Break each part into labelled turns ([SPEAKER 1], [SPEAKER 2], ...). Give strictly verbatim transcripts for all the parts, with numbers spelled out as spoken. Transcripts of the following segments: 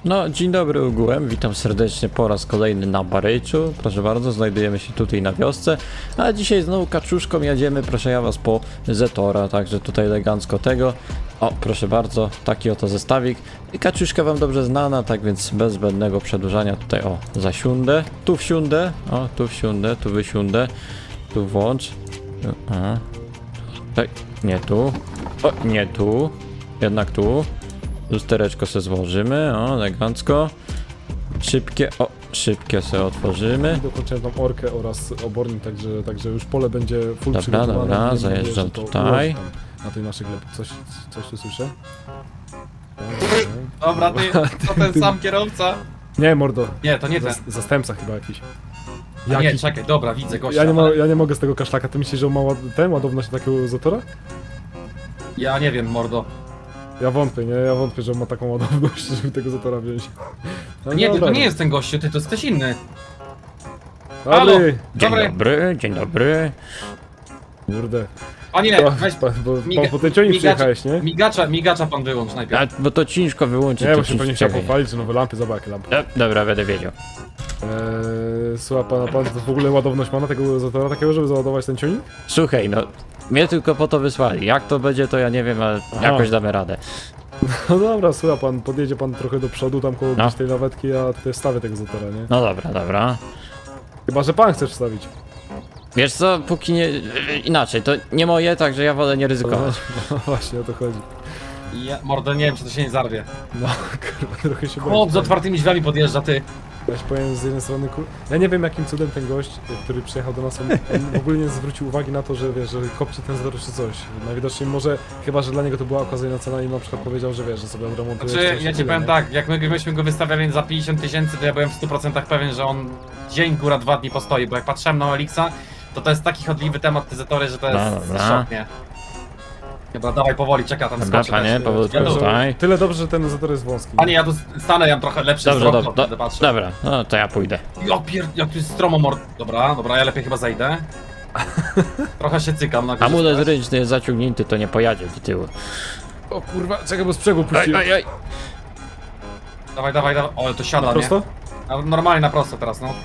[SPEAKER 1] No, dzień dobry ogółem, witam serdecznie po raz kolejny na Baryczu. Proszę bardzo, znajdujemy się tutaj na wiosce, a dzisiaj znowu kaczuszką jedziemy, proszę ja was, po Zetora, także tutaj elegancko tego. O, proszę bardzo, taki oto zestawik. I kaczuszka wam dobrze znana, tak więc bez zbędnego przedłużania tutaj, o, zasiądę, tu wsiądę, o, tu wsiądę, tu wysiądę, tu włącz. Aha. Tak, nie tu, o, nie tu, jednak tu. Lustereczko se złożymy, o, elegancko. Szybkie, o, szybkie se otworzymy.
[SPEAKER 2] Dokończyłem tam orkę oraz obornik, także, także już pole będzie full
[SPEAKER 1] Dobra,
[SPEAKER 2] przygotowane.
[SPEAKER 1] dobra,
[SPEAKER 2] Mam nadzieję,
[SPEAKER 1] zajeżdżam
[SPEAKER 2] że to
[SPEAKER 1] tutaj.
[SPEAKER 2] ułoży tam Na tej naszej glebie. Coś, coś tu słyszę?
[SPEAKER 3] Dobra, ty, to ten sam kierowca?
[SPEAKER 2] Nie, mordo.
[SPEAKER 3] Nie, to nie ten.
[SPEAKER 2] Zas- Zastępca chyba jakiś.
[SPEAKER 3] A nie,
[SPEAKER 2] Jaki?
[SPEAKER 3] czekaj, dobra, widzę gościa.
[SPEAKER 2] Ja nie, mo-
[SPEAKER 3] ale
[SPEAKER 2] ja nie mogę z tego kaszlaka. Ty myślisz, że on ma ład- ten ładowność takiego Zetora?
[SPEAKER 3] ja nie wiem, mordo.
[SPEAKER 2] Ja wątpię, nie? Ja wątpię, że on ma taką ładowność, żeby tego Zetora wziąć. No
[SPEAKER 3] Nie, ty,
[SPEAKER 2] dobra.
[SPEAKER 3] to nie jest ten gościu, ty, to jest ktoś inny.
[SPEAKER 2] Ale,
[SPEAKER 3] Halo!
[SPEAKER 1] Dzień
[SPEAKER 3] Dobry.
[SPEAKER 1] dobry, dzień dobry.
[SPEAKER 2] kurde.
[SPEAKER 3] A nie,
[SPEAKER 2] To,
[SPEAKER 3] weź,
[SPEAKER 2] pan, bo
[SPEAKER 3] miga-
[SPEAKER 2] pan po tej ciągnie
[SPEAKER 3] migacz-
[SPEAKER 2] przyjechałeś, nie?
[SPEAKER 3] migacza, migacza pan wyłącz
[SPEAKER 1] A,
[SPEAKER 3] najpierw.
[SPEAKER 1] bo to ciężko wyłączyć.
[SPEAKER 2] Nie,
[SPEAKER 1] to
[SPEAKER 2] bo się pewnie chciał
[SPEAKER 1] czekaj.
[SPEAKER 2] pochwalić, że nowe lampy, zobacz jakie lampy.
[SPEAKER 1] E, dobra, będę wiedział.
[SPEAKER 2] Eee, słucha pana, pan to w ogóle ładowność ma na tego Zetora takiego, żeby załadować ten ciągnik?
[SPEAKER 1] Słuchaj, no, mnie tylko po to wysłali. Jak to będzie, to ja nie wiem, ale
[SPEAKER 2] Aha.
[SPEAKER 1] jakoś damy radę.
[SPEAKER 2] No dobra, słucha pan, podjedzie pan trochę do przodu, tam koło
[SPEAKER 1] No.
[SPEAKER 2] gdzieś tej lawetki, a tutaj wstawię tego Zetora, nie?
[SPEAKER 1] No dobra, dobra.
[SPEAKER 2] Chyba, że pan chcesz wstawić.
[SPEAKER 1] Wiesz co, póki nie... Inaczej, to nie moje, także ja wolę nie ryzykować.
[SPEAKER 2] No właśnie, o to chodzi.
[SPEAKER 3] Ja, mordo, nie wiem, czy to się nie zarwie.
[SPEAKER 2] No, kurwa, trochę się boję.
[SPEAKER 3] Chłop z otwartymi drzwiami podjeżdża, ty.
[SPEAKER 2] Ja się powiem z jednej strony, kur... ja nie wiem jakim cudem ten gość, który przyjechał do nas, on, on w ogóle nie zwrócił uwagi na to, że wiesz, że kopci ten Zetor czy coś. Najwidoczniej może, chyba, że dla niego to była okazyjna cena i na przykład powiedział, że wiesz, że sobie odremontuje
[SPEAKER 3] Znaczy,
[SPEAKER 2] czy coś
[SPEAKER 3] ja
[SPEAKER 2] i
[SPEAKER 3] ci
[SPEAKER 2] tyle,
[SPEAKER 3] powiem
[SPEAKER 2] nie?
[SPEAKER 3] tak, jak my myśmy go wystawiali za pięćdziesiąt tysięcy, to ja byłem w stu procentach pewien, że on dzień, góra, dwa dni postoi, bo jak patrzyłem na Elixa, to to jest taki chodliwy temat, te Zetory, że to jest
[SPEAKER 1] No, dobra.
[SPEAKER 3] szok, nie? Dobra, dawaj powoli, czeka tam
[SPEAKER 1] Dobra,
[SPEAKER 3] skoczy
[SPEAKER 1] panie,
[SPEAKER 3] też.
[SPEAKER 1] powolutku
[SPEAKER 3] Ja tu-
[SPEAKER 1] tutaj.
[SPEAKER 2] Tyle dobrze, że ten Zetor jest wąski.
[SPEAKER 3] Panie, ja tu stanę, ja mam trochę lepszy
[SPEAKER 1] Dobrze,
[SPEAKER 3] wzrok,
[SPEAKER 1] do,
[SPEAKER 3] to
[SPEAKER 1] do,
[SPEAKER 3] wtedy patrzę.
[SPEAKER 1] dobra, no to ja pójdę.
[SPEAKER 3] Ja pier... jak tu jest stromo mord... Dobra, dobra, ja lepiej chyba zejdę. Trochę się cykam na górze.
[SPEAKER 1] Amulet ręczny jest zaciągnięty, to nie pojadzie do tyłu.
[SPEAKER 2] O kurwa, czekaj, bo sprzęgło
[SPEAKER 1] Oj,
[SPEAKER 2] puściłem.
[SPEAKER 1] oj, oj.
[SPEAKER 3] Dawaj, dawaj, dawaj. O, to siada,
[SPEAKER 2] Prosto?
[SPEAKER 3] nie? A, normalnie na prosto teraz, no.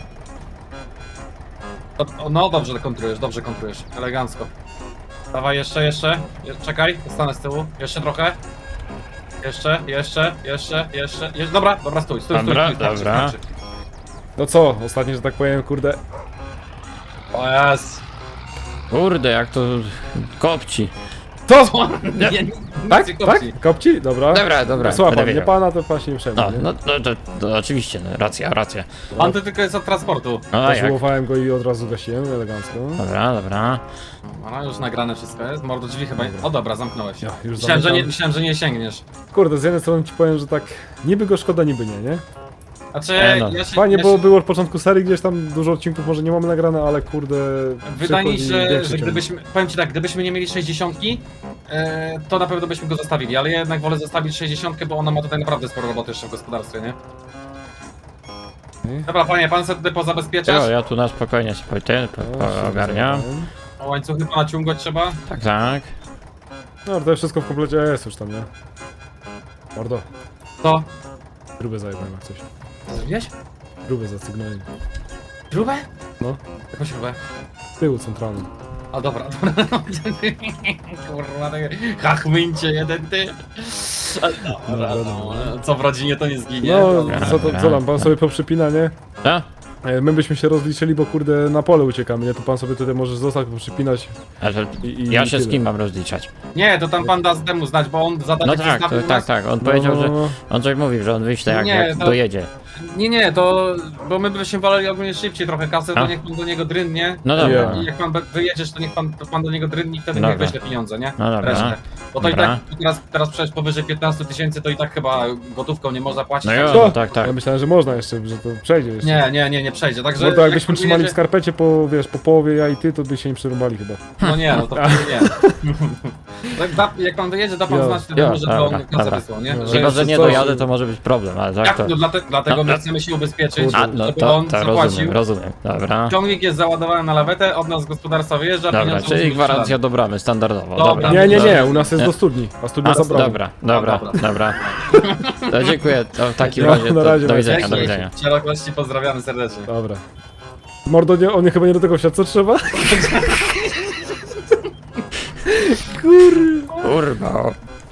[SPEAKER 3] O, o, no, dobrze kontrujesz, dobrze kontrujesz. Elegancko. Dawaj, jeszcze, jeszcze. Je, czekaj, stanę z tyłu. Jeszcze trochę. Jeszcze, jeszcze, jeszcze, jeszcze. Je, dobra, dobra, stój, stój, stój.
[SPEAKER 1] Dobra,
[SPEAKER 3] stój, starczy,
[SPEAKER 1] dobra.
[SPEAKER 3] starczy.
[SPEAKER 2] No co, ostatnio, że tak powiem, kurde,
[SPEAKER 3] O jest.
[SPEAKER 1] Kurde, jak to kopci.
[SPEAKER 2] to!
[SPEAKER 3] Nie, nie,
[SPEAKER 2] Tak?
[SPEAKER 3] nic nie
[SPEAKER 2] Tak?
[SPEAKER 3] kopci.
[SPEAKER 2] Kopci? Dobra.
[SPEAKER 1] Dobra, dobra,
[SPEAKER 2] Słucha
[SPEAKER 1] będę
[SPEAKER 2] pan, nie
[SPEAKER 1] wiedział.
[SPEAKER 2] pana, to pan się nie przejmie,
[SPEAKER 1] No,
[SPEAKER 2] nie?
[SPEAKER 1] no, no to, to oczywiście, no, racja, racja.
[SPEAKER 3] Pan to tylko jest od transportu.
[SPEAKER 1] No, a jak?
[SPEAKER 2] Zażułowałem go i od razu gasiłem, elegancko.
[SPEAKER 1] Dobra, dobra.
[SPEAKER 3] No, już nagrane wszystko jest. Mordo drzwi chyba. O dobra, zamknąłeś.
[SPEAKER 2] Ja już
[SPEAKER 3] Myślałem, że nie,
[SPEAKER 2] zamykam.
[SPEAKER 3] myślałem, że nie sięgniesz.
[SPEAKER 2] Kurde, z jednej strony ci powiem, że tak niby go szkoda, niby nie, nie?
[SPEAKER 3] Znaczy,
[SPEAKER 1] E, no.
[SPEAKER 3] ja się,
[SPEAKER 2] Fajnie,
[SPEAKER 3] ja
[SPEAKER 2] bo
[SPEAKER 3] się,
[SPEAKER 2] było od początku serii, gdzieś tam dużo odcinków może nie mamy nagrane, ale kurde...
[SPEAKER 3] wydaje mi się,
[SPEAKER 2] przychodzi
[SPEAKER 3] że,
[SPEAKER 2] większy
[SPEAKER 3] że
[SPEAKER 2] ciąg.
[SPEAKER 3] gdybyśmy, powiem ci tak, gdybyśmy nie mieli sześćdziesiątki, e, to na pewno byśmy go zostawili, ale ja jednak wolę zostawić sześćdziesiątkę, bo ona ma tutaj naprawdę sporo roboty jeszcze w gospodarstwie, nie?
[SPEAKER 2] Nie?
[SPEAKER 3] Dobra, panie, pan sobie tutaj pozabezpieczasz?
[SPEAKER 1] Jo, ja tu na spokojnie sobie ten po,
[SPEAKER 2] No,
[SPEAKER 1] po,
[SPEAKER 2] się
[SPEAKER 1] ogarniam.
[SPEAKER 2] rozumiem.
[SPEAKER 3] O łańcuchy pana ciągać trzeba?
[SPEAKER 1] Tak, tak.
[SPEAKER 2] No, to wszystko w komplecie jest już tam, nie? Mordo,
[SPEAKER 3] To?
[SPEAKER 2] grube zajebałem jak coś.
[SPEAKER 3] Co zrobiłeś?
[SPEAKER 2] Grube zacygnąłem.
[SPEAKER 3] Śrubę?
[SPEAKER 2] No,
[SPEAKER 3] Jaką śrubę?
[SPEAKER 2] z tyłu centralny.
[SPEAKER 3] A dobra, dobra. Kurwa, tak- hachmyncie jeden ty. A, Dobra,
[SPEAKER 2] Dobra,
[SPEAKER 3] no,
[SPEAKER 2] dobra.
[SPEAKER 3] co w rodzinie to nie zginie.
[SPEAKER 2] No,
[SPEAKER 1] Dobra,
[SPEAKER 2] co, to,
[SPEAKER 1] dobra.
[SPEAKER 2] co tam, pan sobie poprzypina, nie?
[SPEAKER 1] Co?
[SPEAKER 2] E, My byśmy się rozliczyli, bo kurde na pole uciekamy, nie? To pan sobie tutaj możesz zostać, poprzypinać
[SPEAKER 1] A to
[SPEAKER 2] i, i
[SPEAKER 1] ja
[SPEAKER 2] i
[SPEAKER 1] się z
[SPEAKER 2] tyle.
[SPEAKER 1] kim mam rozliczać?
[SPEAKER 3] Nie, to tam pan da z temu znać, bo on zadanie
[SPEAKER 1] No tak, to,
[SPEAKER 3] przedstawił
[SPEAKER 1] tak,
[SPEAKER 3] nas.
[SPEAKER 1] tak. On
[SPEAKER 2] No,
[SPEAKER 1] powiedział,
[SPEAKER 2] no,
[SPEAKER 1] że
[SPEAKER 2] no.
[SPEAKER 1] on coś mówił, że on wyśle jak,
[SPEAKER 3] Nie,
[SPEAKER 1] jak
[SPEAKER 3] to-
[SPEAKER 1] dojedzie.
[SPEAKER 3] Nie, nie, to... bo my byśmy woleli ogólnie szybciej trochę kasę,
[SPEAKER 1] A?
[SPEAKER 3] to niech pan do niego drynnie.
[SPEAKER 1] No dobra.
[SPEAKER 2] Ja.
[SPEAKER 3] I jak pan be- wyjedziesz, to niech pan, pan do niego drynni i wtedy
[SPEAKER 1] Dobra.
[SPEAKER 3] niech weźle pieniądze, nie?
[SPEAKER 1] No dobra.
[SPEAKER 3] Resztę. Bo to
[SPEAKER 1] Dobra.
[SPEAKER 3] i tak teraz, teraz przecież powyżej piętnaście tysięcy to i tak chyba gotówką nie można płacić.
[SPEAKER 1] No
[SPEAKER 3] także-
[SPEAKER 1] jo,
[SPEAKER 2] Co?
[SPEAKER 1] tak, tak.
[SPEAKER 2] Ja myślałem, że można jeszcze, że to przejdzie jeszcze.
[SPEAKER 3] Nie, nie, nie, nie przejdzie, także...
[SPEAKER 2] Mordo,
[SPEAKER 3] jak
[SPEAKER 2] jakbyśmy
[SPEAKER 3] pan
[SPEAKER 2] trzymali w
[SPEAKER 3] jedzie-
[SPEAKER 2] skarpecie po, wiesz, po połowie ja i ty, to by się nie przerąbali chyba.
[SPEAKER 3] No nie, no to wtedy nie. Tak, da, jak pan dojedzie, da pan
[SPEAKER 2] Ja,
[SPEAKER 3] znać wtedy,
[SPEAKER 1] ja,
[SPEAKER 3] może
[SPEAKER 1] dobra,
[SPEAKER 3] to kasę
[SPEAKER 1] dobra.
[SPEAKER 3] wysłał, nie?
[SPEAKER 2] No,
[SPEAKER 3] Że
[SPEAKER 1] Chyba, że
[SPEAKER 3] jeszcze
[SPEAKER 1] nie
[SPEAKER 2] coś-
[SPEAKER 1] dojadę, to może być problem, ale tak
[SPEAKER 3] Jak,
[SPEAKER 1] to...
[SPEAKER 3] no, dlate, dlatego my
[SPEAKER 1] No,
[SPEAKER 3] chcemy się ubezpieczyć,
[SPEAKER 1] A, no
[SPEAKER 3] żeby
[SPEAKER 1] to,
[SPEAKER 3] on
[SPEAKER 1] to
[SPEAKER 3] zapłacił.
[SPEAKER 1] rozumiem, rozumiem. Dobra.
[SPEAKER 3] Ciągnik jest załadowany na lawetę, od nas z gospodarstwa wyjeżdża,
[SPEAKER 1] Dobra,
[SPEAKER 3] pieniądze
[SPEAKER 1] czyli
[SPEAKER 3] muszą być
[SPEAKER 1] gwarancja
[SPEAKER 3] sprzedane.
[SPEAKER 1] do bramy, standardowo.
[SPEAKER 3] Dobra.
[SPEAKER 1] Dobra.
[SPEAKER 2] Nie, nie,
[SPEAKER 3] dobra.
[SPEAKER 2] nie, u nas jest do studni, a studnia
[SPEAKER 1] A,
[SPEAKER 2] zabrała.
[SPEAKER 1] dobra, dobra,
[SPEAKER 3] dobra.
[SPEAKER 1] dobra. To dziękuję, to w takim
[SPEAKER 2] No,
[SPEAKER 1] razie,
[SPEAKER 2] na
[SPEAKER 1] to,
[SPEAKER 2] razie,
[SPEAKER 1] do
[SPEAKER 2] na
[SPEAKER 1] widzenia,
[SPEAKER 3] Dzięki.
[SPEAKER 1] do widzenia.
[SPEAKER 3] Szerokości pozdrawiamy serdecznie.
[SPEAKER 2] Dobra. Mordo, nie, on mnie chyba nie do tego wsiadł, co trzeba?
[SPEAKER 1] Kurwa.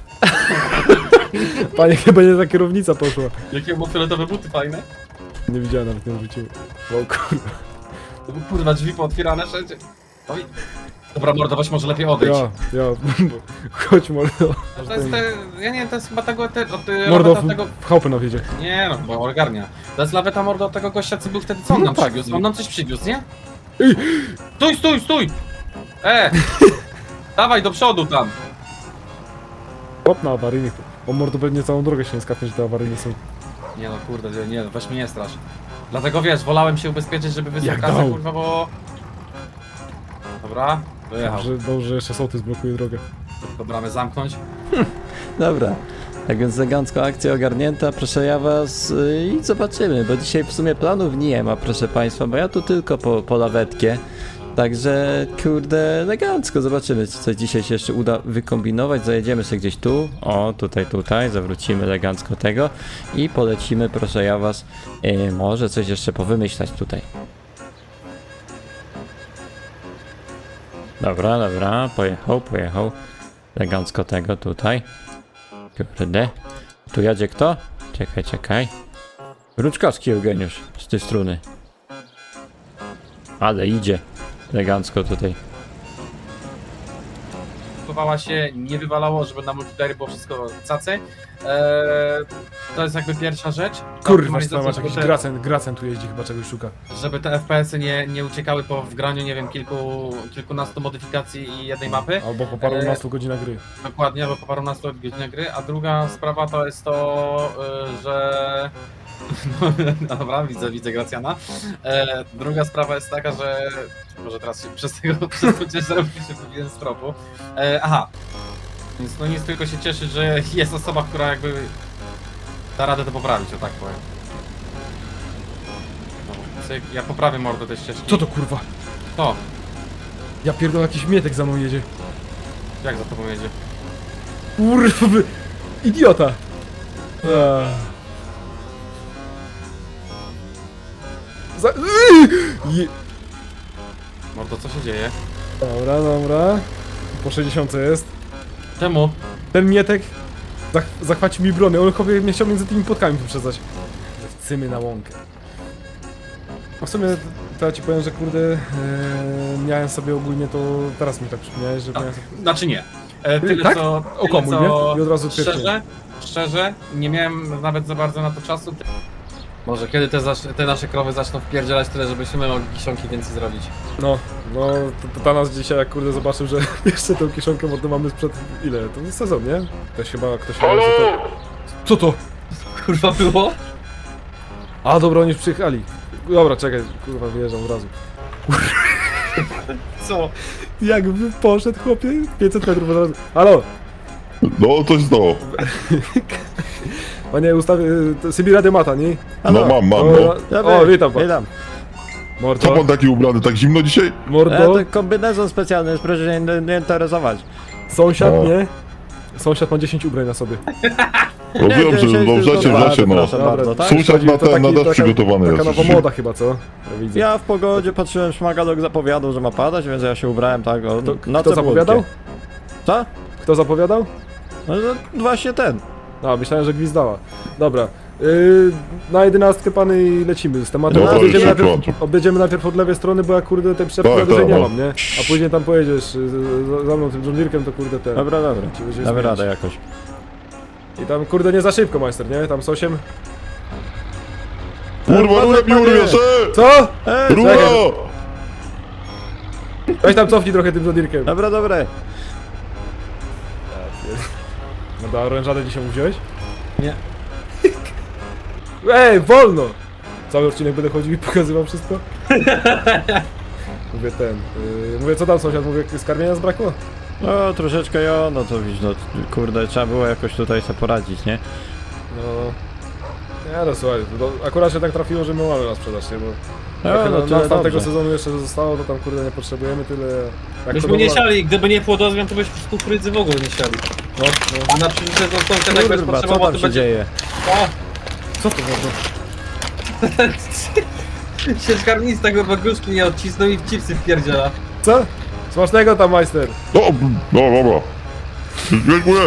[SPEAKER 2] Panie, chyba nie ta kierownica poszła.
[SPEAKER 3] Jakie ma fioletowe buty fajne?
[SPEAKER 2] Nie widziałem, nawet nie wróciłem. Wow, kurwa.
[SPEAKER 3] To były, kurwa, drzwi pootwierane wszędzie. Oj. Dobra, mordo, weź może lepiej odejść.
[SPEAKER 2] Ja, ja, chodź mordo.
[SPEAKER 3] To jest te, ja nie wiem, to jest chyba tego, te, od y,
[SPEAKER 2] Mordo,
[SPEAKER 3] laweta
[SPEAKER 2] w,
[SPEAKER 3] tego...
[SPEAKER 2] w chałupę nam wiedzie.
[SPEAKER 3] Nie no, bo ogarnia. To jest laweta mordo od tego gościa, co był wtedy, co on
[SPEAKER 2] No
[SPEAKER 3] nam
[SPEAKER 2] tak.
[SPEAKER 3] przywiózł? On nam coś przywiózł, nie?
[SPEAKER 2] Ej!
[SPEAKER 3] Stój, stój, stój! E! Dawaj do przodu tam!
[SPEAKER 2] Hop na awaryjnych. O mordo, pewnie całą drogę się nie skapnie, że te awaryjne są.
[SPEAKER 3] Nie no, kurde, nie, no, weź mnie nie strasz. Dlatego wiesz, wolałem się ubezpieczyć, żeby wysłał
[SPEAKER 2] Jak
[SPEAKER 3] kasę,
[SPEAKER 2] dał.
[SPEAKER 3] kurwa, bo... Dobra, dojechał.
[SPEAKER 2] Dobrze, dobrze, że jeszcze sołtys blokuje drogę.
[SPEAKER 3] Do bramy zamknąć.
[SPEAKER 1] Dobra. Tak więc elegancko akcja ogarnięta, proszę ja was yy, i zobaczymy, bo dzisiaj w sumie planów nie ma, proszę państwa, bo ja tu tylko po, po lawetkę. Także, kurde, elegancko, zobaczymy, co coś dzisiaj się jeszcze uda wykombinować. Zajedziemy sobie gdzieś tu, o, tutaj, tutaj, zawrócimy elegancko tego i polecimy, proszę ja was, yy, może coś jeszcze powymyślać tutaj. Dobra, dobra, pojechał, pojechał. Elegancko tego tutaj. Kurde. Tu jadzie kto? Czekaj, czekaj. Ruczkowski Eugeniusz z tej strony. Ale idzie. Elegancko tutaj.
[SPEAKER 3] Chowała się, nie wywalało, żeby na multiplayer było wszystko cacy. Eee, to jest jakby pierwsza rzecz.
[SPEAKER 2] Kurwa,
[SPEAKER 3] Optymalizacja,
[SPEAKER 2] masz
[SPEAKER 3] żeby
[SPEAKER 2] jakiś
[SPEAKER 3] te-
[SPEAKER 2] gracen, gracen tu jeździ, chyba czegoś szuka.
[SPEAKER 3] Żeby te F P S-y nie, nie uciekały po wgraniu, nie wiem, kilku, kilkunastu modyfikacji i jednej mapy.
[SPEAKER 2] Albo po parunastu godzinach gry.
[SPEAKER 3] Dokładnie, albo po parunastu godzinach gry. A druga sprawa to jest to, y, że... No dobra, widzę, widzę Gracjana. E, druga sprawa jest taka, że... Może teraz się przez tego, przez to ciężar się powinienem z tropu. E, aha. Więc no nic, tylko się cieszyć, że jest osoba, która jakby da radę to poprawić, o tak powiem. No, cyk, ja poprawię mordę tej ścieżki.
[SPEAKER 2] Co to kurwa?
[SPEAKER 3] To?
[SPEAKER 2] Ja pierdolę, jakiś mietek za mną jedzie.
[SPEAKER 3] Jak za tobą jedzie?
[SPEAKER 2] Kurwa, wy- idiota! Eee. Za... Je...
[SPEAKER 3] Mordo, co się dzieje?
[SPEAKER 2] Dobra, dobra. Po sześćdziesiątce jest.
[SPEAKER 3] Czemu?
[SPEAKER 2] Ten mietek zach zachwacił mi brony, on chyba mnie chciał między tymi płotkami wyprzedzać. Cymy na łąkę. A w sumie to ja ci powiem, że kurde, e, miałem sobie ogólnie to, teraz mi tak przypomniałeś, że miałem sobie...
[SPEAKER 3] Znaczy nie. E, tyle
[SPEAKER 2] Tak?
[SPEAKER 3] co...
[SPEAKER 2] O
[SPEAKER 3] tyle,
[SPEAKER 2] komu,
[SPEAKER 3] co-
[SPEAKER 2] nie? I od razu
[SPEAKER 3] Szczerze,
[SPEAKER 2] twierdziłem.
[SPEAKER 3] szczerze, nie miałem nawet za bardzo na to czasu. Może kiedy te, zasz- te nasze krowy zaczną wpierdzielać tyle, żebyśmy mogli kiszonki więcej zrobić.
[SPEAKER 2] No, no, to, to Tanas dzisiaj jak kurde zobaczył, że jeszcze tą kiszonkę mordę mamy sprzed ile? To jest sezon, nie? Ktoś chyba, ktoś chyba, że to... Co to?
[SPEAKER 3] Kurwa było?
[SPEAKER 2] A dobra, oni już przyjechali. Dobra, czekaj, kurwa wyjeżdżam od razu.
[SPEAKER 3] Co?
[SPEAKER 2] Jakby poszedł chłopie, pięćset metrów od razu. Halo!
[SPEAKER 4] No, coś znowu.
[SPEAKER 2] Panie, ustawię, Sybira Demata, nie?
[SPEAKER 4] No mam, mam, no.
[SPEAKER 2] O, o, witam pan.
[SPEAKER 1] Witam.
[SPEAKER 4] Co
[SPEAKER 2] Mordo,
[SPEAKER 4] pan taki ubrany, tak zimno dzisiaj?
[SPEAKER 1] E,
[SPEAKER 2] mordo,
[SPEAKER 1] to kombinezon specjalny, proszę się nie, nie interesować.
[SPEAKER 2] sąsiad,
[SPEAKER 4] O.
[SPEAKER 2] nie? Sąsiad ma dziesięć ubrań na sobie.
[SPEAKER 4] No wiem, że
[SPEAKER 1] dzisiaj
[SPEAKER 4] no w
[SPEAKER 1] tylko
[SPEAKER 4] rzeczy, w
[SPEAKER 1] dwa,
[SPEAKER 4] rzeczy, no.
[SPEAKER 1] proszę bardzo, tak?
[SPEAKER 4] Sąsiad
[SPEAKER 2] Chodzi,
[SPEAKER 4] na
[SPEAKER 2] to
[SPEAKER 4] ten, na
[SPEAKER 2] taki-
[SPEAKER 4] deszcz
[SPEAKER 2] taka-
[SPEAKER 4] przygotowany
[SPEAKER 2] Taka
[SPEAKER 4] jest.
[SPEAKER 2] nowa moda chyba, co? Ja widzę.
[SPEAKER 1] Ja w pogodzie patrzyłem, szmagalok zapowiadał, że ma padać, więc ja się ubrałem tak o
[SPEAKER 2] Kto,
[SPEAKER 1] noce
[SPEAKER 2] kto zapowiadał?
[SPEAKER 1] błódkie. Co?
[SPEAKER 2] Kto zapowiadał?
[SPEAKER 1] No to właśnie ten.
[SPEAKER 2] A, myślałem, że gwizdała. Dobra. Yy, na jedenastkę pany i lecimy z tematem.
[SPEAKER 4] Dobra,
[SPEAKER 2] objedziemy,
[SPEAKER 4] już
[SPEAKER 2] najpierw,
[SPEAKER 4] kończę.
[SPEAKER 2] objedziemy najpierw od lewej strony, bo ja kurde tej przyczepki
[SPEAKER 4] Tak,
[SPEAKER 2] na dłużej
[SPEAKER 4] tak,
[SPEAKER 2] nie
[SPEAKER 4] no.
[SPEAKER 2] mam, nie? A później tam pojedziesz y, za- za mną tym John Deere'kiem, to kurde ten.
[SPEAKER 1] Dobra, dobra.
[SPEAKER 2] Ci będziemy
[SPEAKER 1] Damy
[SPEAKER 2] zmieniać.
[SPEAKER 1] radę jakoś.
[SPEAKER 2] I tam kurde nie za szybko, majster, nie? Tam z osiem.
[SPEAKER 4] Kurwa, rurę mi urwiesz, e!
[SPEAKER 2] Co?
[SPEAKER 1] Ej,
[SPEAKER 4] Rura!
[SPEAKER 2] Weź tam cofnij trochę tym John Deere'kiem.
[SPEAKER 1] dobra, dobra.
[SPEAKER 2] No da, orężadę dzisiaj mu wziąłeś?
[SPEAKER 3] Nie.
[SPEAKER 2] Ej, wolno! Cały odcinek będę chodził i pokazywał wszystko? Mówię ten, yy, mówię co tam sąsiad, mówię skarmienia zbrakło?
[SPEAKER 1] No troszeczkę ja, no to widzisz, no kurde, trzeba było jakoś tutaj sobie poradzić, nie?
[SPEAKER 2] No... Nie no słuchaj, to akurat się tak trafiło, że my mamy na sprzedaż, nie? Bo
[SPEAKER 1] No,
[SPEAKER 2] trochę
[SPEAKER 1] no
[SPEAKER 2] na,
[SPEAKER 1] tyle
[SPEAKER 2] nas tamtego
[SPEAKER 1] dobrze.
[SPEAKER 2] sezonu jeszcze zostało, to tam kurde nie potrzebujemy tyle... Jak
[SPEAKER 5] Byśmy
[SPEAKER 2] to
[SPEAKER 5] nie
[SPEAKER 2] była-
[SPEAKER 5] siali, gdyby nie płodozmian, to byśmy z kukurydzy w ogóle nie siali.
[SPEAKER 2] No, no.
[SPEAKER 5] A na przyszły sezon sąsiad jak będzie
[SPEAKER 1] Kurwa, co
[SPEAKER 5] potrzebował,
[SPEAKER 1] tam
[SPEAKER 5] to
[SPEAKER 1] się
[SPEAKER 5] będzie...
[SPEAKER 1] dzieje?
[SPEAKER 5] O!
[SPEAKER 2] Co to można?
[SPEAKER 5] Sieczkarnista kurwa gruszki nie odcisnął i w chipsy wpierdziela.
[SPEAKER 2] Co? Smacznego tam, majster!
[SPEAKER 4] No, no dobra. Dziękuję.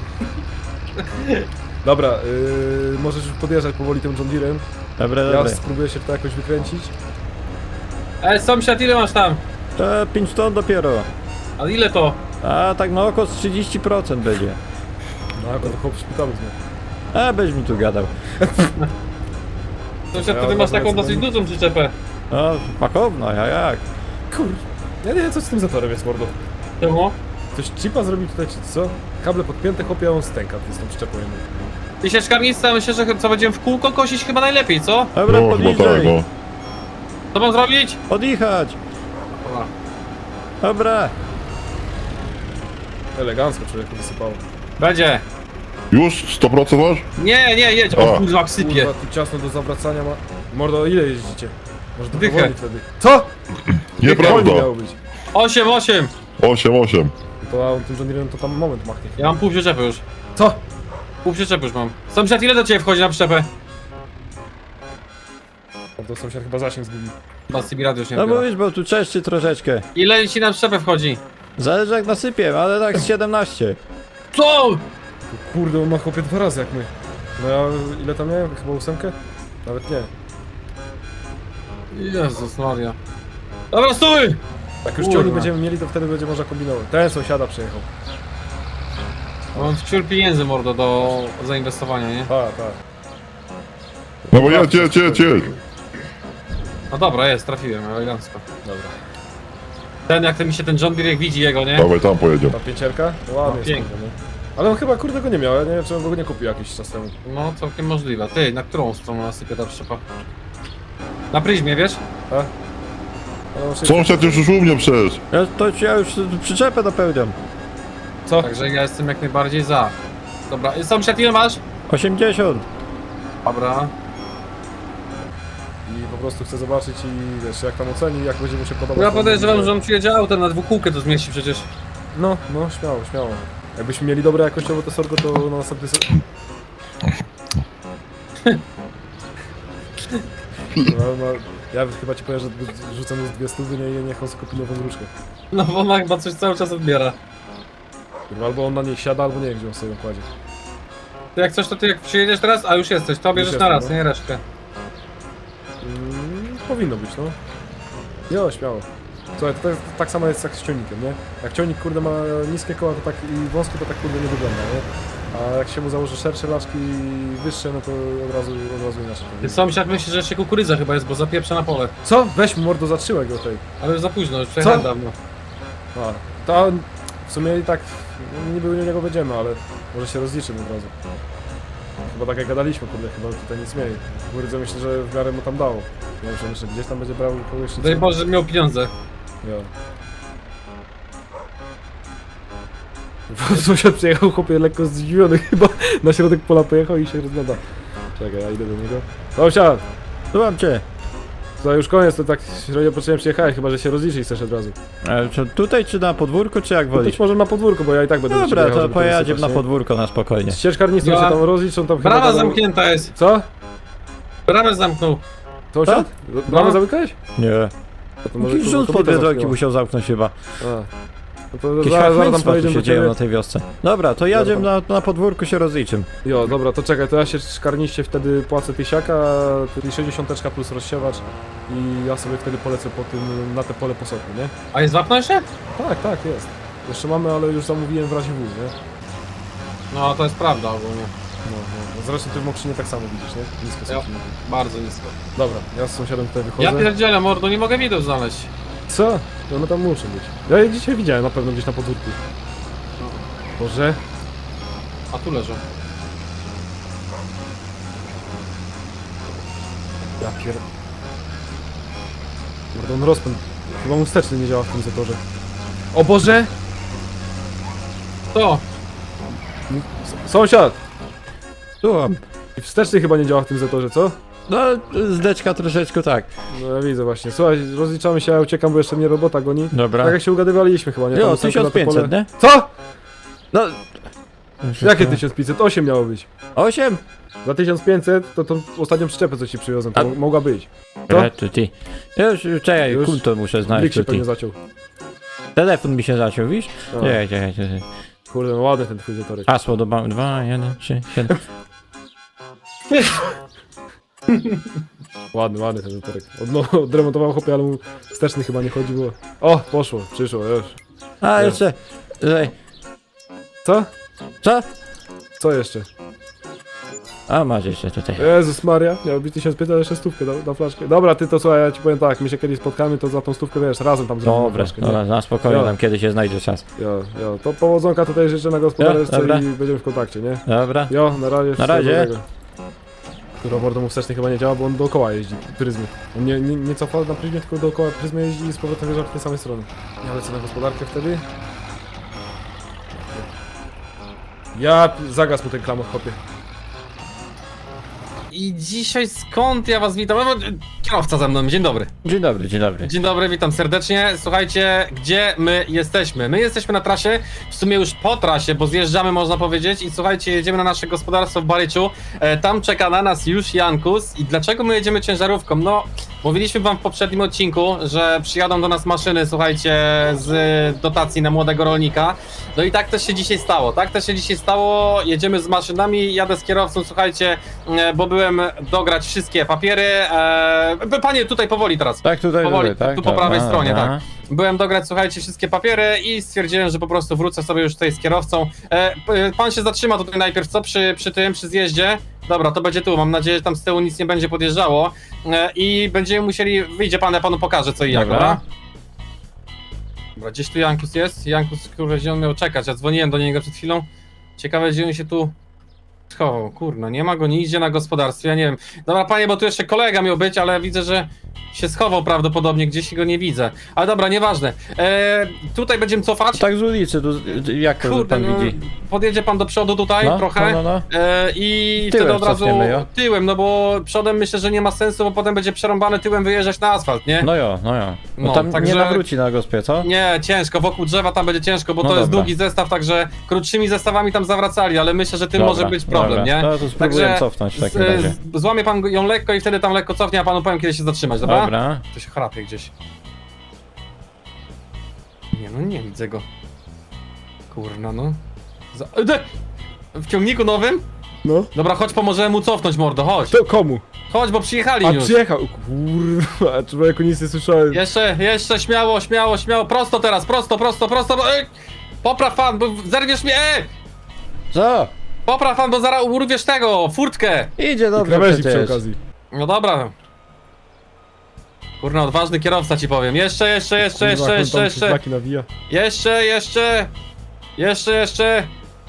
[SPEAKER 2] Dobra, yy, możesz już podjeżdżać powoli tym John Deere'em.
[SPEAKER 1] Dobra,
[SPEAKER 2] Ja
[SPEAKER 1] dobra.
[SPEAKER 2] spróbuję się to jakoś wykręcić.
[SPEAKER 5] E, sąsiad, ile masz tam?
[SPEAKER 1] To pięć ton dopiero.
[SPEAKER 5] A ile to?
[SPEAKER 1] A tak na oko z trzydzieści procent będzie.
[SPEAKER 2] No, jako to chłop w szpitalu znowu.
[SPEAKER 1] A, byś mi tu gadał.
[SPEAKER 5] Sąsiad,
[SPEAKER 2] Ja
[SPEAKER 5] to ty
[SPEAKER 2] od
[SPEAKER 5] masz
[SPEAKER 2] razu
[SPEAKER 5] taką
[SPEAKER 2] lecę
[SPEAKER 5] dosyć
[SPEAKER 2] do nich.
[SPEAKER 5] dużą przyczepę.
[SPEAKER 1] No, pakowno, ja jak?
[SPEAKER 2] Kur... Ja nie wiem co z tym zatorem jest, mordo.
[SPEAKER 5] Czemu?
[SPEAKER 2] Ktoś chipa zrobił tutaj, czy co? Kable podpięte, chłopie, a on stęka z tą przyczepą jedną.
[SPEAKER 5] I sieczkarnista, myślę, że co będziemy w kółko kosić chyba najlepiej, co?
[SPEAKER 1] Dobra,
[SPEAKER 4] No, chyba tak,
[SPEAKER 1] podjeżdżaj.
[SPEAKER 4] no.
[SPEAKER 5] Co mam zrobić?
[SPEAKER 1] Odjechać.
[SPEAKER 5] Dobra.
[SPEAKER 1] Dobra.
[SPEAKER 2] Elegancko człowieku wysypało.
[SPEAKER 5] Będzie.
[SPEAKER 4] Już? sto procent masz?
[SPEAKER 5] Nie, nie, jedź,
[SPEAKER 4] A.
[SPEAKER 5] o kurwa, sypie.
[SPEAKER 2] Kurwa, tu ciasno do zawracania ma... Mordo, ile jeździcie? Może to
[SPEAKER 5] Dychę.
[SPEAKER 2] powoli wtedy. Co?
[SPEAKER 4] Nieprawda.
[SPEAKER 2] Wolniej miało być.
[SPEAKER 5] osiem, osiem.
[SPEAKER 4] osiem, osiem.
[SPEAKER 2] To a on tym John Deere'em to tam moment machnie.
[SPEAKER 5] Ja mam pół przyczepy już.
[SPEAKER 2] Co?
[SPEAKER 5] Pół przyczepy już mam. Sąsiad, ile do ciebie wchodzi na przyczepę?
[SPEAKER 2] Mordo, sąsiad chyba zasięg zgubił.
[SPEAKER 5] Chyba C B radio już nie
[SPEAKER 1] No
[SPEAKER 5] odbiera.
[SPEAKER 1] mówisz, bo tu czeszczy troszeczkę.
[SPEAKER 5] Ile ci na przyczepę wchodzi?
[SPEAKER 1] Zależy jak nasypie, ale tak z siedemnaście.
[SPEAKER 5] Co?
[SPEAKER 2] Kurde, on ma chłopie dwa razy jak my. No ja ile tam miałem? Chyba ósemkę? Nawet nie.
[SPEAKER 5] Jezus Maria. Dobra, stój!
[SPEAKER 2] Jak już
[SPEAKER 5] Kurwa.
[SPEAKER 2] ciągnik będziemy mieli, to wtedy będzie można kombinować. Ten sąsiada przejechał.
[SPEAKER 5] Mam wciul pieniędzy, mordo, do zainwestowania, nie?
[SPEAKER 2] Tak, tak.
[SPEAKER 4] No bo jedź, jedź, jedź, jedź.
[SPEAKER 5] No dobra, jest, trafiłem, elegancko.
[SPEAKER 2] Dobra.
[SPEAKER 5] Ten, jak ten mi się ten John Deere jak widzi jego, nie?
[SPEAKER 4] Dawaj, tam pojedziemy.
[SPEAKER 2] Ta pięcierka? Ładnie
[SPEAKER 5] No,
[SPEAKER 2] jest.
[SPEAKER 5] pięknie.
[SPEAKER 2] kurde, nie? Ale on chyba kurde go nie miał, ja nie wiem czy on go nie kupił jakiś czas temu.
[SPEAKER 5] No, całkiem możliwe. Ty, na którą stronę nasypie ta przyczepa? Na pryzmie, wiesz?
[SPEAKER 2] A? No, szybko.
[SPEAKER 4] Sąsiad już już u mnie przecież.
[SPEAKER 1] Ja, to ja już przyczepę dopełniam.
[SPEAKER 2] Co?
[SPEAKER 5] Także ja jestem jak najbardziej za. Dobra, y, sąsiad, ile masz?
[SPEAKER 1] osiemdziesiąt.
[SPEAKER 5] Dobra.
[SPEAKER 2] I po prostu chcę zobaczyć i wiesz, jak tam oceni, jak będzie mu się podobać.
[SPEAKER 5] Ja
[SPEAKER 2] to
[SPEAKER 5] podejrzewam,
[SPEAKER 2] będzie-
[SPEAKER 5] że on przyjedzie autem na dwukółkę to zmieści przecież.
[SPEAKER 2] No, no, śmiało, śmiało. Jakbyśmy mieli dobre jakościowo to sorgo, to na następny se... no, no, ja chyba ci powiem, że rzucę mu z dwie stówy, nie, nie, niech on sobie kupi nową różkę.
[SPEAKER 5] No bo ona chyba coś cały czas odbiera.
[SPEAKER 2] Kurwa, albo on na niej siada, albo nie wiem, gdzie on sobie ją kładzie.
[SPEAKER 5] Ty jak coś, to ty jak przyjedziesz teraz, a już jesteś, to bierzesz
[SPEAKER 2] Już
[SPEAKER 5] na
[SPEAKER 2] jestem,
[SPEAKER 5] raz,
[SPEAKER 2] no.
[SPEAKER 5] nie resztę.
[SPEAKER 2] Mm, powinno być, no. Jo, śmiało. Słuchaj, to tak, tak samo jest jak z ciągnikiem, nie? Jak ciągnik, kurde, ma niskie koła to tak i wąskie, to tak kurde nie wygląda, nie? A jak się mu założy szersze laczki i wyższe, no to od razu, od razu inaczej.
[SPEAKER 5] Ty sąsiad myśli, że jeszcze kukurydza chyba jest, bo zapieprza na pole.
[SPEAKER 2] Co? Weź mu mordo, zatrzyłek go tej.
[SPEAKER 5] Ale już za późno, już przejechałem
[SPEAKER 2] Co?
[SPEAKER 5] dawno.
[SPEAKER 2] A, to on- w sumie i tak no, niby u niego będziemy, ale może się rozliczymy od razu. Chyba tak jak gadaliśmy, kurde, chyba tutaj nic mniej. Kurde, myślę, że w miarę mu tam dało. Nie wiem, że myślę, gdzieś tam będzie brał kogoś czy
[SPEAKER 5] Daj
[SPEAKER 2] co.
[SPEAKER 5] Boże, żeby miał pieniądze.
[SPEAKER 2] Ja. Sąsiad przyjechał, chłopie, lekko zdziwiony chyba, na środek pola pojechał i się rozgląda. Czekaj, ja idę do niego. Sąsiad,
[SPEAKER 1] Słucham cię.
[SPEAKER 2] to już koniec, to tak średnio potrzebnie przyjechałeś, chyba że się rozliczyć chcesz od razu.
[SPEAKER 1] E, czy tutaj czy na podwórku, czy jak
[SPEAKER 2] No
[SPEAKER 1] wolisz?
[SPEAKER 2] być może na podwórko, bo ja i tak będę do ciebie
[SPEAKER 1] Dobra,
[SPEAKER 2] jechał,
[SPEAKER 1] to
[SPEAKER 2] żeby
[SPEAKER 1] pojedziemy
[SPEAKER 2] wysypać,
[SPEAKER 1] na
[SPEAKER 2] nie?
[SPEAKER 1] podwórko na spokojnie.
[SPEAKER 2] Z ścieżkarnictwą
[SPEAKER 5] Ja-
[SPEAKER 2] się tam rozliczą, tam chyba...
[SPEAKER 5] Brama
[SPEAKER 2] będą-
[SPEAKER 5] zamknięta jest.
[SPEAKER 2] Co?
[SPEAKER 5] Bramę zamknął.
[SPEAKER 2] Sąsiad? Bramę
[SPEAKER 5] No.
[SPEAKER 2] zamykałeś?
[SPEAKER 1] Nie.
[SPEAKER 2] No to może,
[SPEAKER 1] Jakiś
[SPEAKER 2] kurwa,
[SPEAKER 1] rząd po
[SPEAKER 2] kobieta
[SPEAKER 1] dwie drogi
[SPEAKER 2] zamknęła.
[SPEAKER 1] musiał zamknąć chyba.
[SPEAKER 2] A. No to
[SPEAKER 1] Jakieś
[SPEAKER 2] zaraz, zaraz tam
[SPEAKER 1] hachmęctwa tu
[SPEAKER 2] pojedziemy
[SPEAKER 1] się
[SPEAKER 2] do
[SPEAKER 1] dzieją
[SPEAKER 2] ciebie.
[SPEAKER 1] na tej wiosce. Dobra, to jadziemy na, na podwórku się rozliczym.
[SPEAKER 2] Jo, dobra, to czekaj, to ja się szkarniście wtedy płacę tysiaka, czyli sześćdziesiąt plus rozsiewacz i ja sobie wtedy polecę po tym, na te pole posoku, nie?
[SPEAKER 5] A jest wapno jeszcze?
[SPEAKER 2] Tak, tak, jest. Jeszcze mamy, ale już zamówiłem w razie W, nie?
[SPEAKER 5] No, to jest prawda ogólnie.
[SPEAKER 2] No, no. no zresztą ty w Mokrzynie tak samo widzisz, nie? Nisko są
[SPEAKER 5] Ja.
[SPEAKER 2] silniki.
[SPEAKER 5] Bardzo nisko.
[SPEAKER 2] Dobra, ja z sąsiadem tutaj
[SPEAKER 5] Ja
[SPEAKER 2] wychodzę.
[SPEAKER 5] pierdzielę, mordo, nie mogę widok znaleźć.
[SPEAKER 2] Co? No one tam muszą być. Ja je dzisiaj widziałem na pewno gdzieś na podwórku. Boże.
[SPEAKER 5] A tu leżą.
[SPEAKER 2] Ja pier... Kurde, on rozpęd. Chyba mu wsteczny nie działa w tym zatorze. O Boże!
[SPEAKER 5] To!
[SPEAKER 2] S Sąsiad!
[SPEAKER 1] Słucham.
[SPEAKER 2] I wsteczny chyba nie działa w tym zatorze, co?
[SPEAKER 1] No, zdeczka troszeczkę tak.
[SPEAKER 2] No ja widzę właśnie. Słuchaj, rozliczamy się, ja uciekam, bo jeszcze mnie robota goni.
[SPEAKER 1] Dobra.
[SPEAKER 2] Tak jak się ugadywaliśmy chyba, nie?
[SPEAKER 1] Jo,
[SPEAKER 2] Tam ósemkę na
[SPEAKER 1] tysiąc
[SPEAKER 2] to
[SPEAKER 1] pięćset,
[SPEAKER 2] pole.
[SPEAKER 1] nie?
[SPEAKER 2] Co?
[SPEAKER 1] No...
[SPEAKER 2] Jakie tysiąc pięćset? osiem miało być.
[SPEAKER 1] osiem?
[SPEAKER 2] Za tysiąc pięćset to tą ostatnią przyczepę, co ci przywiozłem, to
[SPEAKER 1] A-
[SPEAKER 2] mogła być. Co?
[SPEAKER 1] Retu, ty. Już, już, czekaj,
[SPEAKER 2] Już?
[SPEAKER 1] konto muszę znaleźć
[SPEAKER 2] Blik się
[SPEAKER 1] tutaj.
[SPEAKER 2] pewnie zaciął.
[SPEAKER 1] Telefon mi się zaciął, widzisz?
[SPEAKER 2] A.
[SPEAKER 1] Czekaj, czekaj, czekaj.
[SPEAKER 2] Kurde, no ładny ten twój zatorek.
[SPEAKER 1] Hasło do banku. dwa, jeden, trzy, siedem.
[SPEAKER 2] Ładny, ładny ten zatorek. Od, no, odremontował chłopie, ale mu wsteczny chyba nie chodzi, było. O, poszło, przyszło, już.
[SPEAKER 1] A,
[SPEAKER 2] Nie.
[SPEAKER 1] jeszcze. Tutaj.
[SPEAKER 2] Co?
[SPEAKER 1] Co?
[SPEAKER 2] Co jeszcze?
[SPEAKER 1] A, masz jeszcze tutaj.
[SPEAKER 2] Jezus Maria, miało być tysiąc pięćset, ale jeszcze stówkę na, na flaszkę. Dobra, ty to słuchaj, ja ci powiem tak, my się kiedyś spotkamy, to za tą stówkę, wiesz, razem tam zrobimy
[SPEAKER 1] Dobra,
[SPEAKER 2] flaszkę, nie?
[SPEAKER 1] dobra, na spokojnie,
[SPEAKER 2] Jo.
[SPEAKER 1] tam kiedy się znajdzie czas.
[SPEAKER 2] Jo, jo, to powodzonka tutaj życzę na gospodarce
[SPEAKER 1] Jo, dobra.
[SPEAKER 2] i będziemy w kontakcie, nie?
[SPEAKER 1] Dobra.
[SPEAKER 2] Jo, na razie. wszystkiego
[SPEAKER 1] razie.
[SPEAKER 2] dobrego. Który mordo mu wsteczny chyba nie działa, bo on dookoła jeździ, pryzmy. On nie, nie, nie cofa na pryzmie, tylko dookoła pryzmy jeździ i z powrotem wjeżdża w tej samej strony. Ja lecę na gospodarkę wtedy. Ja, p- zagasł mu ten klamot, chłopie.
[SPEAKER 5] I dzisiaj skąd ja was witam? No, kierowca ze mną, dzień dobry.
[SPEAKER 1] Dzień dobry, dzień dobry.
[SPEAKER 5] Dzień dobry, witam serdecznie. Słuchajcie, gdzie my jesteśmy? My jesteśmy na trasie, w sumie już po trasie, bo zjeżdżamy, można powiedzieć. I słuchajcie, jedziemy na nasze gospodarstwo w Baryczu. E, tam czeka na nas już Jankus. I dlaczego my jedziemy ciężarówką? No, mówiliśmy wam w poprzednim odcinku, że przyjadą do nas maszyny, słuchajcie, z dotacji na młodego rolnika. No i tak też się dzisiaj stało, tak też się dzisiaj stało. Jedziemy z maszynami, jadę z kierowcą, słuchajcie, e, bo byłem dograć wszystkie papiery. E, panie, tutaj powoli teraz.
[SPEAKER 1] Tak, tutaj,
[SPEAKER 5] Powoli,
[SPEAKER 1] tutaj, tak?
[SPEAKER 5] tu po prawej
[SPEAKER 1] Dobra,
[SPEAKER 5] stronie,
[SPEAKER 1] dobra.
[SPEAKER 5] tak. Byłem dograć, słuchajcie, wszystkie papiery i stwierdziłem, że po prostu wrócę sobie już tutaj z kierowcą. E, p- pan się zatrzyma tutaj najpierw, co? Przy, przy tym, przy zjeździe. Dobra, to będzie tu, mam nadzieję, że tam z tyłu nic nie będzie podjeżdżało. E, I będziemy musieli, wyjdzie pan, ja panu pokażę co i jak,
[SPEAKER 1] Dobra.
[SPEAKER 5] dobra? Dobra, gdzieś tu Jankus jest. Jankus, kurwa, gdzie on miał czekać? Ja dzwoniłem do niego przed chwilą. Ciekawe, gdzie on się tu schował. Kurna, nie ma go, nie idzie na gospodarstwie, ja nie wiem. Dobra, panie, bo tu jeszcze kolega miał być, ale widzę, że się schował prawdopodobnie, gdzieś go nie widzę. Ale dobra, nieważne. E, tutaj będziemy cofać.
[SPEAKER 1] Tak z ulicy, tu, jak to
[SPEAKER 5] Kurde,
[SPEAKER 1] pan
[SPEAKER 5] no,
[SPEAKER 1] widzi?
[SPEAKER 5] podjedzie pan do przodu tutaj
[SPEAKER 1] No,
[SPEAKER 5] trochę.
[SPEAKER 1] no, no, no.
[SPEAKER 5] E, I
[SPEAKER 1] Tyłem
[SPEAKER 5] wtedy od razu
[SPEAKER 1] cofniemy, jo?
[SPEAKER 5] tyłem, no bo przodem myślę, że nie ma sensu, bo potem będzie przerąbany tyłem wyjeżdżać na asfalt, nie?
[SPEAKER 1] No jo, no jo. No,
[SPEAKER 5] No,
[SPEAKER 1] tam
[SPEAKER 5] także-
[SPEAKER 1] nie nawróci na gospie, co?
[SPEAKER 5] Nie, ciężko, wokół drzewa tam będzie ciężko, bo
[SPEAKER 1] No
[SPEAKER 5] to jest
[SPEAKER 1] dobra.
[SPEAKER 5] długi zestaw, także krótszymi zestawami tam zawracali, ale myślę, że tym
[SPEAKER 1] Dobra,
[SPEAKER 5] może być problem,
[SPEAKER 1] dobra.
[SPEAKER 5] nie?
[SPEAKER 1] No to spróbuję cofnąć w takim
[SPEAKER 5] z-
[SPEAKER 1] razie.
[SPEAKER 5] z- Złamie pan ją lekko i wtedy tam lekko cofnie, a panu powiem kiedy się zatrzymać, dobra?
[SPEAKER 1] Dobra.
[SPEAKER 5] To się chrapie gdzieś. Nie no, nie widzę go. Kurna no. Za... E, de- W ciągniku nowym?
[SPEAKER 2] No.
[SPEAKER 5] Dobra, chodź, pomożemy mu cofnąć, mordo, chodź.
[SPEAKER 2] To komu?
[SPEAKER 5] Chodź, bo przyjechali
[SPEAKER 2] A
[SPEAKER 5] już.
[SPEAKER 2] przyjechał, kurwa, człowieku nic nie słyszałem.
[SPEAKER 5] Jeszcze, jeszcze, śmiało, śmiało, śmiało, prosto teraz, prosto, prosto, prosto, bo... Ej! Popraw pan, bo zerwiesz mnie, e!
[SPEAKER 1] Co?
[SPEAKER 5] Popraw pan, bo zaraz urwiesz tego, furtkę.
[SPEAKER 1] Idzie dobrze
[SPEAKER 2] Krawędzi przy
[SPEAKER 1] przecież.
[SPEAKER 2] okazji.
[SPEAKER 5] No dobra. Kurna, odważny kierowca ci powiem. Jeszcze, jeszcze, jeszcze,
[SPEAKER 2] Kurwa,
[SPEAKER 5] jeszcze,
[SPEAKER 2] jak on
[SPEAKER 5] jeszcze,
[SPEAKER 2] tam
[SPEAKER 5] jeszcze.
[SPEAKER 2] szlaki nawija.
[SPEAKER 5] Jeszcze, jeszcze. Jeszcze, jeszcze.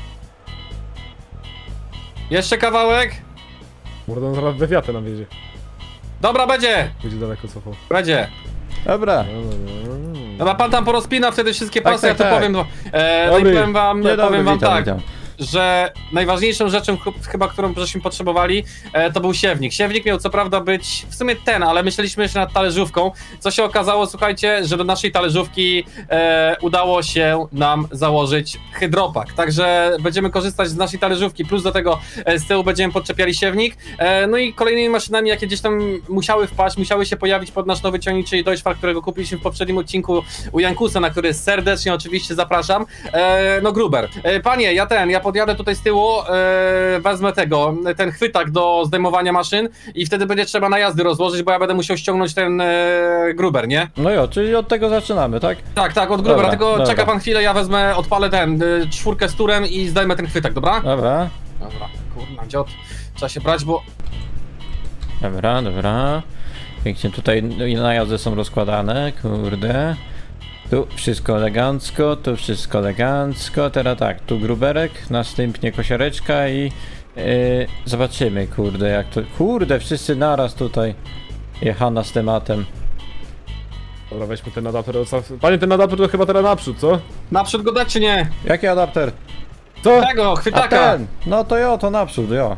[SPEAKER 5] Jeszcze kawałek.
[SPEAKER 2] Mordo, on zaraz we wiatę nam wiedzie.
[SPEAKER 5] Dobra, będzie.
[SPEAKER 2] Będzie daleko cofał.
[SPEAKER 5] Będzie.
[SPEAKER 1] Dobra.
[SPEAKER 2] No, no, no.
[SPEAKER 5] Dobra, pan tam porozpina wtedy wszystkie
[SPEAKER 1] Tak,
[SPEAKER 5] pasy,
[SPEAKER 1] tak,
[SPEAKER 5] ja to
[SPEAKER 1] tak.
[SPEAKER 5] powiem. E, no i
[SPEAKER 2] Dobry.
[SPEAKER 5] powiem wam,
[SPEAKER 1] Dzień dobry,
[SPEAKER 5] powiem wam
[SPEAKER 1] witam,
[SPEAKER 5] tak.
[SPEAKER 1] witam.
[SPEAKER 5] Że najważniejszą rzeczą ch- chyba, którą żeśmy potrzebowali, e, to był siewnik. Siewnik miał co prawda być w sumie ten, ale myśleliśmy jeszcze nad talerzówką. Co się okazało, słuchajcie, że do naszej talerzówki e, udało się nam założyć hydropak. Także będziemy korzystać z naszej talerzówki, plus do tego e, z tyłu będziemy podczepiali siewnik. E, no i kolejnymi maszynami, jakie gdzieś tam musiały wpaść, musiały się pojawić pod nasz nowy ciągnik, czyli Deutschfahrt, którego kupiliśmy w poprzednim odcinku u Jankusa, na który serdecznie oczywiście zapraszam. E, no Gruber. E, panie, ja ten, ja podjadę tutaj z tyłu, e, wezmę tego, ten chwytak do zdejmowania maszyn i wtedy będzie trzeba na jazdy rozłożyć, bo ja będę musiał ściągnąć ten e, Gruber, nie?
[SPEAKER 1] No jo, czyli od tego zaczynamy, tak?
[SPEAKER 5] Tak, tak, od Grubera,
[SPEAKER 1] Dobra,
[SPEAKER 5] tylko
[SPEAKER 1] dobra.
[SPEAKER 5] czeka pan chwilę, ja wezmę, odpalę ten, y, czwórkę z turem i zdejmę ten chwytak, dobra?
[SPEAKER 1] Dobra.
[SPEAKER 5] Dobra, kurna, dziot, trzeba się brać, bo...
[SPEAKER 1] Dobra, dobra. Pięknie tutaj najazdy są rozkładane, kurde. Tu wszystko elegancko, tu wszystko elegancko. Teraz tak, tu gruberek, następnie kosiareczka i Yy, zobaczymy, kurde, jak to... Kurde, wszyscy naraz tutaj. Jechana z tematem.
[SPEAKER 2] Dobra, weźmy ten adapter. Panie, ten adapter to chyba teraz naprzód, co?
[SPEAKER 5] Naprzód go dać czy nie?
[SPEAKER 1] Jaki adapter?
[SPEAKER 2] Co?
[SPEAKER 5] Tego,
[SPEAKER 1] A
[SPEAKER 5] chwytaka!
[SPEAKER 1] ten! No to jo, to naprzód, jo.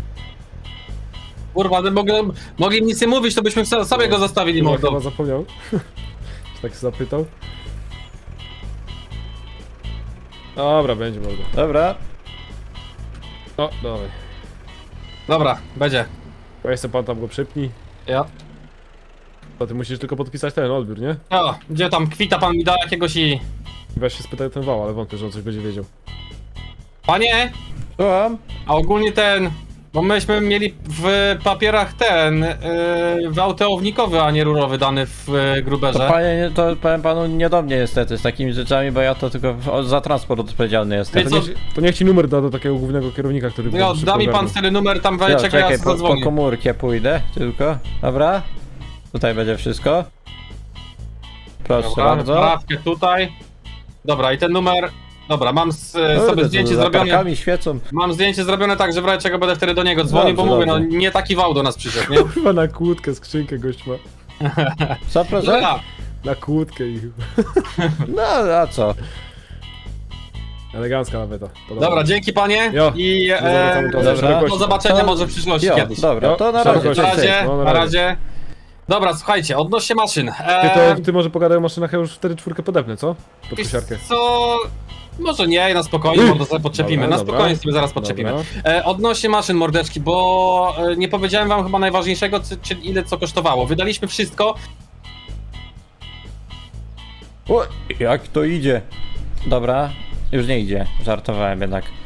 [SPEAKER 5] Kurwa, no mogli, mogli nic nie mówić, to byśmy so- sobie go zostawili
[SPEAKER 2] No,
[SPEAKER 5] mordą.
[SPEAKER 2] chyba zapomniał. Czy tak się zapytał? Dobra, będzie mordo.
[SPEAKER 1] Dobra.
[SPEAKER 2] O, dawaj.
[SPEAKER 5] Dobra, będzie.
[SPEAKER 2] Weź sobie pan tam go przypnij.
[SPEAKER 5] Ja.
[SPEAKER 2] To ty musisz tylko podpisać ten odbiór, nie?
[SPEAKER 5] O, gdzie tam kwita pan mi da jakiegoś i...
[SPEAKER 2] Weź się spytaj ten wał, ale wątpię, że on coś będzie wiedział.
[SPEAKER 5] Panie,
[SPEAKER 1] Słucham?
[SPEAKER 5] a ogólnie ten... Bo myśmy mieli w papierach ten... Yy, wałteownikowy, a nie rurowy dany w yy,
[SPEAKER 1] To
[SPEAKER 5] gruberze.
[SPEAKER 1] panie, nie- to powiem panu nie do mnie niestety z takimi rzeczami, bo ja to tylko w- za transport odpowiedzialny jestem.
[SPEAKER 5] Wie
[SPEAKER 2] To
[SPEAKER 5] co?
[SPEAKER 2] niech, to niech ci numer da do takiego głównego kierownika, który
[SPEAKER 5] No,
[SPEAKER 2] będzie
[SPEAKER 5] da mi
[SPEAKER 2] szybko
[SPEAKER 5] pan
[SPEAKER 2] ogarniał.
[SPEAKER 5] wtedy numer tam,
[SPEAKER 1] Jo,
[SPEAKER 5] czekaj, ja
[SPEAKER 1] czekaj,
[SPEAKER 5] sobie
[SPEAKER 1] po, po
[SPEAKER 5] zadzwonię.
[SPEAKER 1] komórkę pójdę tylko. Dobra? Tutaj będzie wszystko. Proszę
[SPEAKER 5] Dobra,
[SPEAKER 1] bardzo.
[SPEAKER 5] sprawkę tutaj. Dobra, i ten numer... Dobra, mam z,
[SPEAKER 1] Kurde,
[SPEAKER 5] sobie
[SPEAKER 1] co
[SPEAKER 5] zdjęcie
[SPEAKER 1] za
[SPEAKER 5] zrobione.
[SPEAKER 1] latarkami świecą.
[SPEAKER 5] Mam zdjęcie zrobione tak, że w razie czego będę wtedy do niego dzwonił, bo
[SPEAKER 1] Dobrze,
[SPEAKER 5] mówię, no
[SPEAKER 1] dobrze.
[SPEAKER 5] nie taki wał do nas przyszedł, nie?
[SPEAKER 2] Chyba na kłódkę skrzynkę gość ma.
[SPEAKER 1] Co proszę?
[SPEAKER 5] Dobra,
[SPEAKER 2] Na kłódkę i...
[SPEAKER 1] No a co?
[SPEAKER 2] Elegancka nawet. Podoba.
[SPEAKER 5] dobra, dzięki panie
[SPEAKER 2] Jo.
[SPEAKER 5] i e,
[SPEAKER 2] Zawracamy to
[SPEAKER 1] dobra.
[SPEAKER 2] do
[SPEAKER 5] do
[SPEAKER 2] gościa.
[SPEAKER 5] zobaczenia
[SPEAKER 1] To-
[SPEAKER 5] może w przyszłości
[SPEAKER 1] Jo,
[SPEAKER 5] kiedyś.
[SPEAKER 1] dobra,
[SPEAKER 2] Jo,
[SPEAKER 1] to na
[SPEAKER 2] dobra,
[SPEAKER 1] razie.
[SPEAKER 2] gość.
[SPEAKER 5] Na
[SPEAKER 1] Cześć, cześć.
[SPEAKER 5] razie,
[SPEAKER 2] No, na
[SPEAKER 5] na
[SPEAKER 2] razie.
[SPEAKER 5] razie. Dobra, słuchajcie, odnośnie maszyn.
[SPEAKER 2] Ty,
[SPEAKER 5] E,
[SPEAKER 2] to, ty może pogadaj o maszynach, ja już wtedy czwórkę podepnę, co? Pod
[SPEAKER 5] wiesz
[SPEAKER 2] kosiarkę.
[SPEAKER 5] co... Może nie, na spokojnie, może sobie podczepimy.
[SPEAKER 2] Dobra,
[SPEAKER 5] Na
[SPEAKER 2] dobra.
[SPEAKER 5] spokojnie sobie zaraz podczepimy.
[SPEAKER 2] Dobra.
[SPEAKER 5] E, odnośnie maszyn, mordeczki, bo e, nie powiedziałem wam chyba najważniejszego, czy, czyli ile co kosztowało. Wydaliśmy wszystko.
[SPEAKER 1] O, jak to idzie? Dobra, już nie idzie. Żartowałem jednak.